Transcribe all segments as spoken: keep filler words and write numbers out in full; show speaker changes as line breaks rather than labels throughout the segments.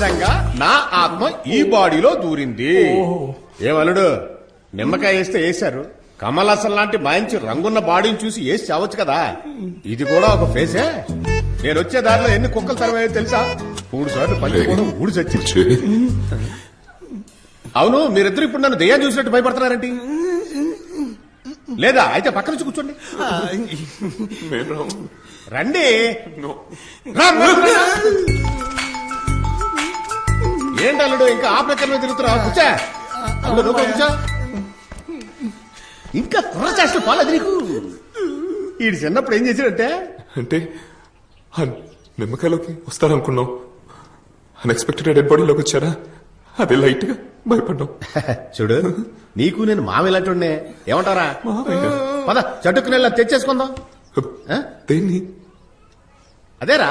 నిజంగా నా ఆత్మ ఈ బాడీలో దూరింది. ఏమలుడు నిమ్మకాయ వేస్తే వేశారు, కమలాసన్ లాంటి మంచి రంగున్న బాడీని చూసి వేసి చావచ్చు కదా. ఇది కూడా ఒక ఫేసే. నేను వచ్చే దారిలో ఎన్ని కుక్కలు తరవాయో తెలుసా? మూడు సార్లు పని కూడా ఊడి చచ్చి. అవును, మీరిద్దరు ఇప్పుడు నన్ను దెయ్యం చూసినట్టు భయపడుతున్నారేంటి? లేదా అయితే పక్క నుంచి కూర్చోండి. రండి. ఏంటి అల్లుడు ఇంకా ఆ ప్రకారమే తిరుగుతున్నా? కూర్చా అల్లుడు, రూపాయి కూర్చో. ఇంకా కుర్ర చేష్టలు పోలేదు నీకు. ఈ చిన్నప్పుడు ఏం చేశాడంటే
అంటే నిమ్మకాయలోకి వస్తారనుకున్నాం, అన్ఎక్స్పెక్టెడ్ డెడ్ బాడీలోకి వచ్చారా? అదే లైట్ గా భయపడ్డాం.
చూడు, నీకు నేను మామ ఇలాంటి ఏమంటారా? పద చటుక్కుని వెళ్ళి తెచ్చేసుకుందాం.
దేన్ని?
అదేరా.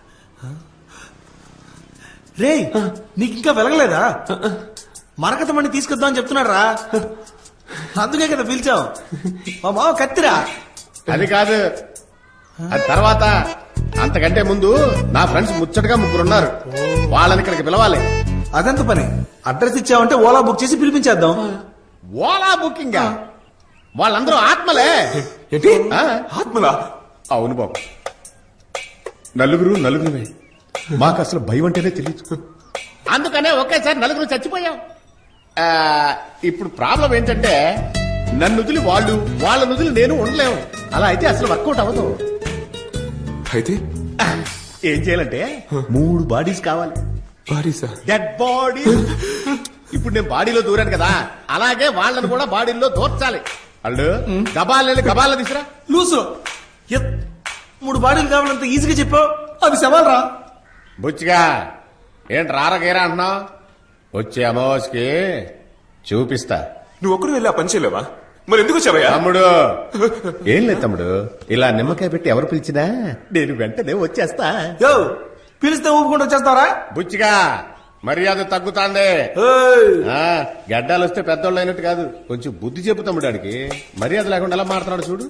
రే, నీకు ఇంకా వెలగలేదా? మరకత మణి తీసుకొద్దాం అని చెప్తున్నాడు రా, అందుకే కదా పిలిచావు. మా మామ కత్తిరా.
అది కాదు, అది తర్వాత. అంతకంటే ముందు నా ఫ్రెండ్స్ ముచ్చటగా ముగ్గురున్నారు, వాళ్ళని ఇక్కడికి పిలవాలి.
అదంత పని. అడ్రస్ ఇచ్చావంటే ఓలా బుక్ చేసి పిలిపించేద్దాం.
ఓలా బుకింగ్? వాళ్ళందరూ ఆత్మలే.
ఏంటి ఆత్మలా?
అవును బాబు, నలుగురు నలుగురుమే. మాకు అసలు భయం అంటేనే తెలియదు, అందుకనే ఒకేసారి నలుగురు చచ్చిపోయాం. ఇప్పుడు ప్రాబ్లం ఏంటంటే నన్ను వదిలి వాళ్ళు, వాళ్ళ వదిలి నేను ఉండలేము. అలా అయితే అసలు వర్కౌట్ అవ్వదు.
అయితే
ఏం చేయాలంటే మూడు బాడీస్ కావాలి.
బాడీసా?
Dead body. ఇప్పుడు నేను బాడీలో దూరాను కదా, అలాగే వాళ్ళని కూడా బాడీలో దూర్చాలి. వాళ్ళు గబాలు గబాల్లో తీసురా.
లూసు మూడు బాడీలు కావాలంత ఈజీగా చెప్పావు, అది సవాల్ రా.
బుచ్చిగా ఏంటి రారగేరా అంటున్నావు? వచ్చే అమావాస్యకి చూపిస్తా.
నువ్వు ఒక్కడు వెళ్ళి ఆ పని చేయలేవా? మరి ఎందుకు వచ్చావయ్యా?
తమ్ముడు ఏం లేదు తమ్ముడు, ఇలా నిమ్మకాయ పెట్టి ఎవరు పిలిచినా నేను వెంటనే వచ్చేస్తా.
యో, పిలిస్తే ఊపుకుంటూ వచ్చేస్తావరా?
బుచ్చిగా మర్యాద తగ్గుతాందే. గడ్డాలు వస్తే పెద్దోళ్ళు అయినట్టు కాదు, కొంచెం బుద్ధి చెప్పు తమ్ముడానికి. మర్యాద లేకుండా ఎలా మారుతున్నాడు చూడు.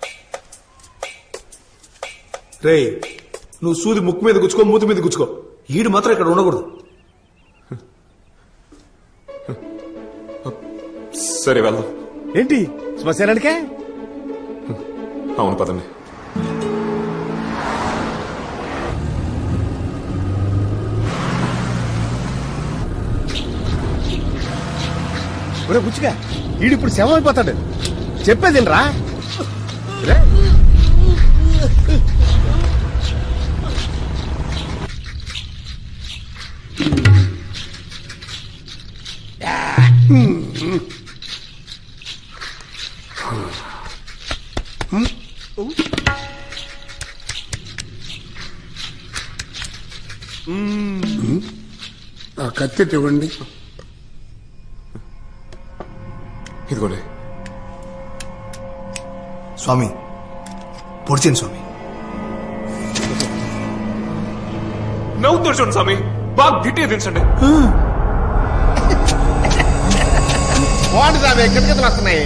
రే, నువ్వు సూది ముక్కు మీద గుచ్చుకో, మూతి మీద గుచ్చుకో, ఈడు మాత్రం ఇక్కడ ఉండకూడదు.
సరే వెళ్దాం.
ఏంటి శ్మశానానికే?
అవును పదండి.
ఒరే బుచ్చిగా, ఈడిప్పుడు శవం అయిపోతాడు. చెప్పేది రా.
ఆ కత్తి ఇవ్వండి.
ఇదిగోలే
స్వామి, పొడిచింది స్వామి.
నవ్వుతాడు చూడండి స్వామి, బాగా గిట్టిగా దించండి.
బాగుంటుంది, కిటకిటలు వస్తున్నాయి.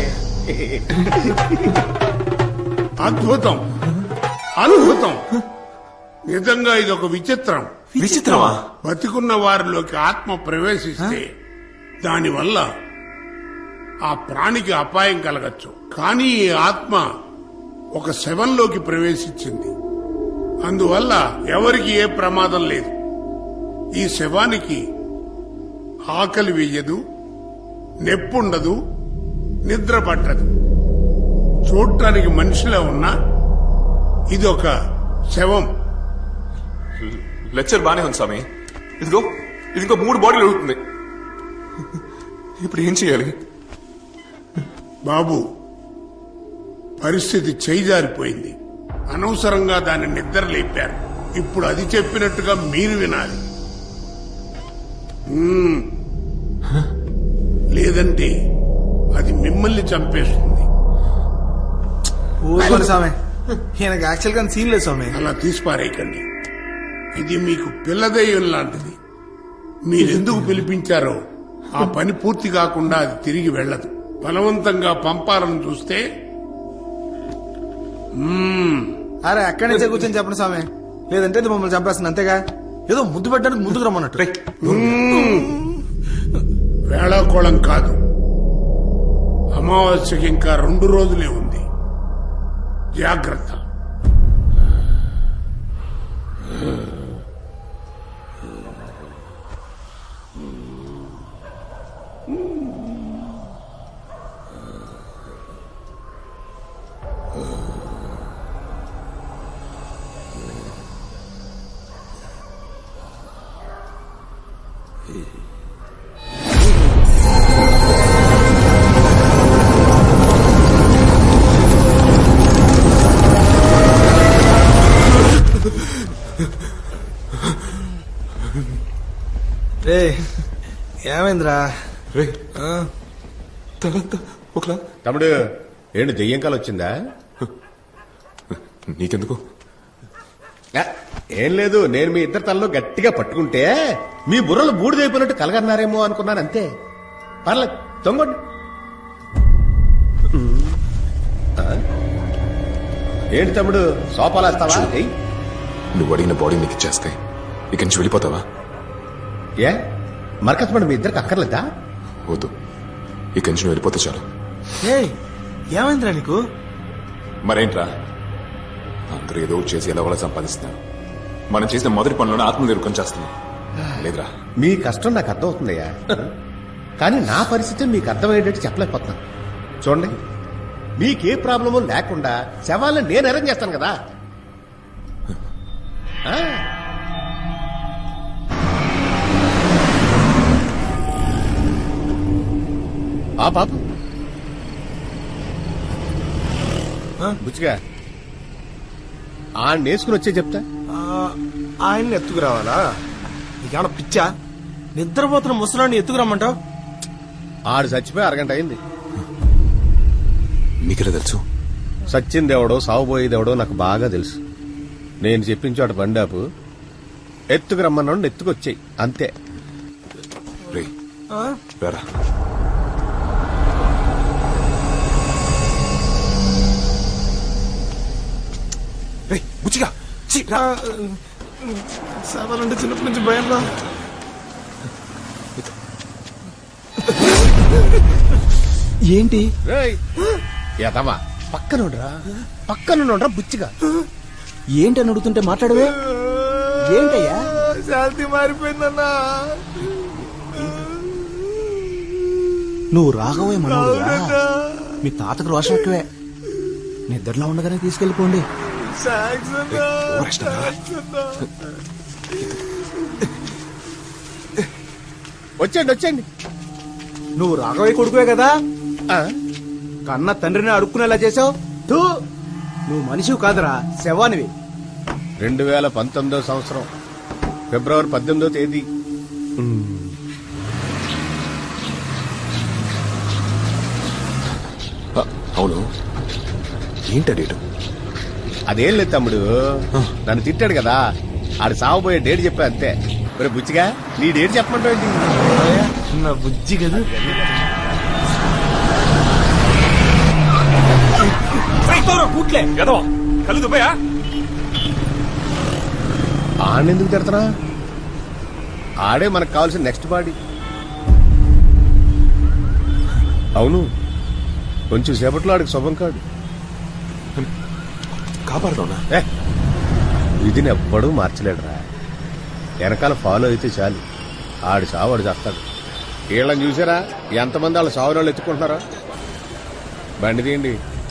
అద్భుతం, అద్భుతం. నిజంగా ఇది ఒక విచిత్రం.
విచిత్రమా?
బతికున్న వారిలోకి ఆత్మ ప్రవేశిస్తే దానివల్ల ఆ ప్రాణికి అపాయం కలగచ్చు. కానీ ఈ ఆత్మ ఒక శవంలోకి ప్రవేశించింది, అందువల్ల ఎవరికి ఏ ప్రమాదం లేదు. ఈ శవానికి ఆకలి వేయదు, నెప్పుండదు, నిద్ర పట్టదు. చూడటానికి మనిషిలా ఉన్నా ఇది ఒక శవం.
లెక్చర్ బానే ఉంది స్వామి. ఇదిగో ఇది ఇంకో మూడు బాడీలు అడుగుతుంది. ఇప్పుడు ఏం చేయాలి?
బాబు, పరిస్థితి చేయిజారిపోయింది. అనవసరంగా దాన్ని నిద్ర లేపారు. ఇప్పుడు అది చెప్పినట్టుగా మీరు వినాలి. లేదంటే అది మిమ్మల్ని చంపేస్తుంది.
స్వామి, ఈయనకి యాక్చువల్ గా సీన్ లేదు స్వామి.
అలా తీసిపారేయకండి. ఇది మీకు పిల్లదయ్యం లాంటిది. మీరెందుకు పిలిపించారో ఆ పని పూర్తి కాకుండా అది తిరిగి వెళ్లదు. బలవంతంగా పంపాలని చూస్తే
అరే అక్కడి నుంచే కూర్చొని చెప్పండి స్వామి, లేదంటే ఇది మమ్మల్ని చంపేస్తుంది అంతేగా. ఏదో ముద్దు పెట్టడానికి ముందుకు రమ్మన్నట్టు.
రేయ్,
వేళాకోళం కాదు, అమావాస్యకి ఇంకా రెండు రోజులే ఉంది. జాగ్రత్త.
రే ఏమైందిరా?
రే తలంతా ఒకలా.
తమ్ముడు ఏంటి దెయ్యం కాలు వచ్చిందా?
నీకెందుకు?
ఆ, ఏం లేదు, నేను మీ ఇద్దరు తలలో గట్టిగా పట్టుకుంటే మీ బుర్రలు బూడిదైపోయినట్టు కలగన్నారేమో అనుకున్నాను, అంతే. పర్లేదు, తొంగండి. ఆ? ఏంటి తమ్ముడు సోపాలేస్తావా? ఏయ్,
నువ్వు అడిగిన బాడీ నీకు ఇచ్చేస్తే ఇక నుంచి వెళ్ళిపోతావా?
ఏ మరకత్మడు మీ ఇద్దరికి అక్కర్లేదా?
వద్దు, ఇక నుంచి నువ్వు వెళ్ళిపోతే చాలు.
ఏయ్ ఏమైందిరా నీకు?
మరేంట్రా, అందరూ ఏదో ఒకటి చేసి ఎలా వాళ్ళ సంపాదిస్తున్నారు. మనం చేసిన మొదటి పనులను ఆత్మనిర్భరం చేస్తున్నాం లేదురా.
మీ కష్టం నాకు అర్థమవుతుందయ్యా, కానీ నా పరిస్థితి మీకు అర్థమయ్యేటట్టు చెప్పలేకపోతున్నాను. చూడండి, మీకే ప్రాబ్లము లేకుండా శవాలను నేను అరేంజ్ చేస్తాను కదా. ఆ. ఆ పాప బుచ్చిగా ఆ నేసుకుని వచ్చే చెప్తా.
ఆ, ఆయన్ని ఎత్తుకురావాలా? నీకేమన్నా పిచ్చా? నిద్రపోతున్న ముసలాన్ని ఎత్తుకురమ్మంటావు?
ఆడు చచ్చిపోయి అరగంట అయింది.
మీకెలా తెలుసు?
సచ్చిందెవడో సాగుపోయేదెవడో నాకు బాగా తెలుసు. నేను చెప్పించు అటు బండాపు ఎత్తుకు రమ్మన్నాడు, ఎత్తుకొచ్చాయి అంతే.
రే
ఆ?
రారా. రే బుచ్చిగా ఛీ, రా.
శవాలంటే చిన్నప్పటి నుంచి భయంలో.
ఏంటి?
ఎదవా పక్కనుండ్రా, పక్కనుండ్రా బుచ్చిగా.
ఏంటని అడుగుతుంటే మాట్లాడవే? ఏంటయ్యా?
శాంతి మారిపోయిందన్నా.
నువ్వు రాఘవయ్య మనోడుగా? మీ తాతకు రోషం ఎక్కువే. నిద్రలో ఉండగానే తీసుకెళ్లిపోండి.
వచ్చేయండి వచ్చేయండి.
నువ్వు రాఘవయ్య కొడుకువే కదా?
ఆ,
కన్న తండ్రిని అడుక్కునేలా చేసావు. తూ, నువ్వు మనిషివి కాదురా, శవానివి.
రెండు వేల పంతొమ్మిదో సంవత్సరం ఫిబ్రవరి పద్దెనిమిదో తేదీ.
ఆ, అవును, ఏంటా డేటు?
అదేం లేదు తమ్ముడు, నన్ను తిట్టాడు కదా, ఆడు సాగుపోయే డేట్ చెప్పా అంతే. మరి బుచ్చిగా నీ డేట్ చెప్పమంటావు ఏంటి?
నా బుజ్జి కదా.
కళ్ళు దుబ్బయా?
ఆడెందుకు తిడతారా? ఆడే మనకు కావాల్సిన నెక్స్ట్ బాడీ. అవును, కొంచెం సేపట్లో ఆడికి శుభం కాడు.
కాపాడుతావునా?
ఏ, విధిని ఎవ్వడూ మార్చలేడురా. వెనకాల ఫాలో అయితే చాలు, ఆడి సావు ఆడు చేస్తాడు. వీళ్ళని చూసారా ఎంతమంది వాళ్ళ సావు వాళ్ళు ఎత్తుకుంటున్నారా? బండి తీయండి.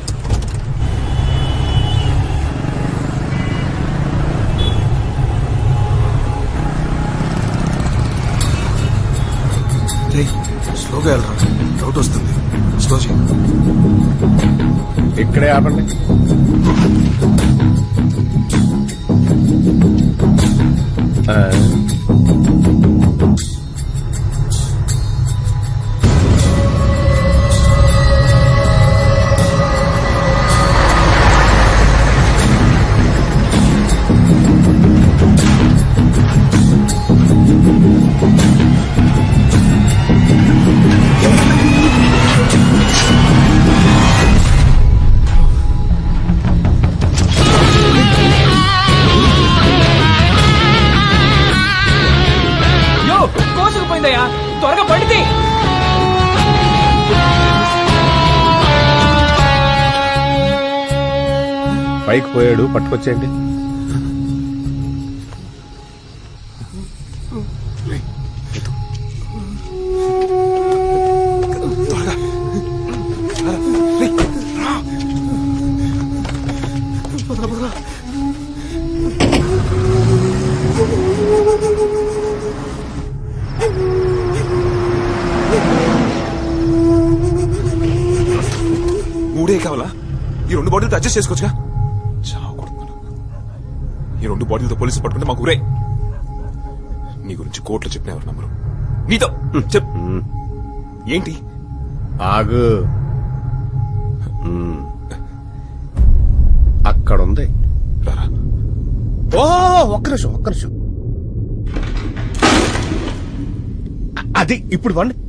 స్లోగా వెళ్ళరా, డౌట్ వస్తుంది. స్లో చేయి.
ఇక్కడే ఆపండి. ఆ.
వచ్చిందయ్యా, త్వరగా పడితే.
పైకి పోయాడు, పట్టుకొచ్చేయండి.
మూడే కావాలా? ఈ రెండు బాటిల్తో అడ్జస్ట్ చేసుకోవచ్చుగా. చావు కొడుతున్నాను. ఈ రెండు బాటిల్తో పోలీసులు పట్టుకుంటే మాకు ఊరే. నీ గురించి కోర్టులో చెప్పిన ఎవరు నమ్మరు. నీతో చెప్ ఏంటి?
ఆగు. మ్మ్. అక్కడుంది.
రారా.
ఓ ఒక్క నిమిషం ఒక్క నిమిషం. అది ఇప్పుడు వండి.